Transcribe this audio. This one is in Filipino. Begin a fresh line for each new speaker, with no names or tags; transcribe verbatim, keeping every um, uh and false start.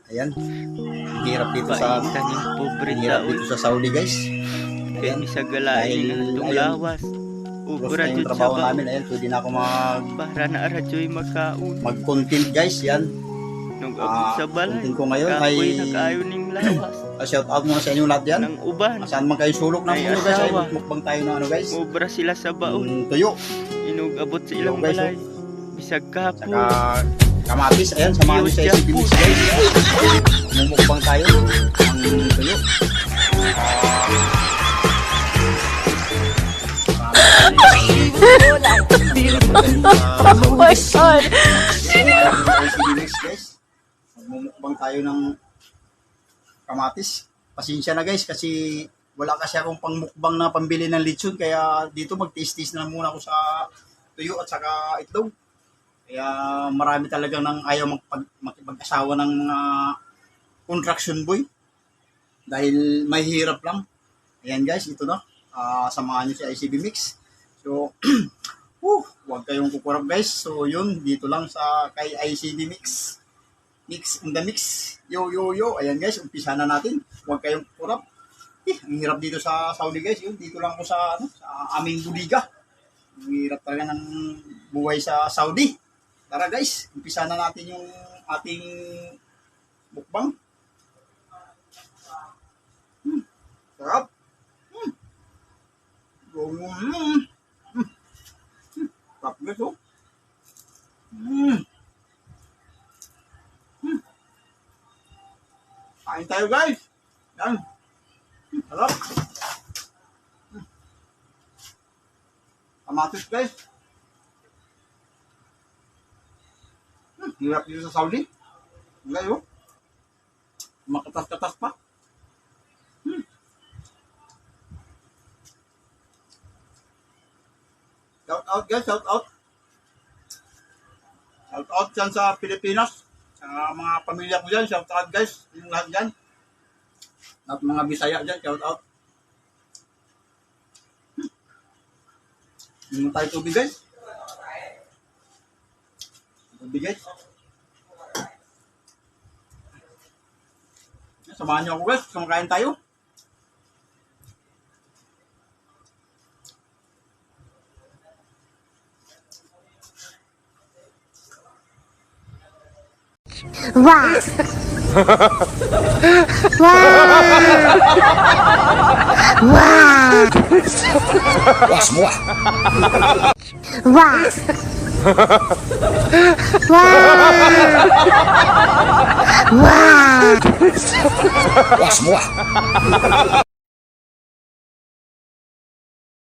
Ayan. Ang hirap dito sa
Paitan yung pobre
ang hirap
tao.
dito sa Saudi, guys.
Kaya
Ayan.
misagalain
Dahil,
ng itong
ayun,
lawas.
Close
Ubra
na yung
jud sa
trabaho
baon.
namin. Ayan, pwede na ako mag
Para na aradyo'y magkaon.
mag-content, guys. Yan.
Nung
Ah,
abot sa balay.
content ko ngayon ay
Kapoy nag-ayon ng lawas.
uh, shout out muna sa inyo lahat yan.
Ng uban.
Saan man kayo sulok ng
Ay,
mundo, guys. Ay,
asawa.
mukbang tayo ng ano, guys.
Ubra sila sa baon.
Yung tuyo.
Inug abot sa ilang
Yo, guys,
balay. Bisag kapoy.
Saka kamatis. Ayan, samahan nyo sa S C B Mix, guys. Mumukbang tayo ng tuyo.
Oh my God!
Magmumukbang tayo ng kamatis. Pasensya na, guys, kasi wala kasi akong pangmukbang na pambili ng lechon, kaya dito mag-taste-taste na muna ako sa tuyo at saka itlog. Kaya marami talaga nang ayaw magpag, makipag-asawa ng mga construction boy dahil may hirap lang. Ayan, guys, ito na. Uh, samahan nyo si I C B Mix. So, whew, huwag kayong kukurap, guys. So, yun, dito lang sa kay I C B Mix. Mix in the mix. Yo, yo, yo. Ayan, guys, umpisa na natin. Huwag kayong kukurap. Eh, ang hirap dito sa Saudi, guys. Yun, dito lang ako sa, ano, sa aming budiga. Ang hirap talaga ng buhay sa Saudi. Tara, guys, umpisa na natin yung ating mukbang. Hmm, sarap. Hmm. Mm. Sarap, guys, oh. Mm. Mm. Kain tayo, guys. Yan. Mm, sarap. Mm. Kamatis, guys. Mm. Hirap dito sa Saudi. Guys, oh. Makatas-katas pa. Mm. Shout out, guys, shout out. Shout out dyan sa Pilipinas. Sa mga pamilya ko dyan, shout out, guys. Yung lahat dyan. At mga Bisaya dyan, shout out. Hmm. Yung tayo tubig, guys. Tubig, guys. Samahan niyo ako, guys. Kumakain tayo.
Wow! Wow! Wow!
Wah, semua.
Wow! Wow! Wow!
Wah, semua.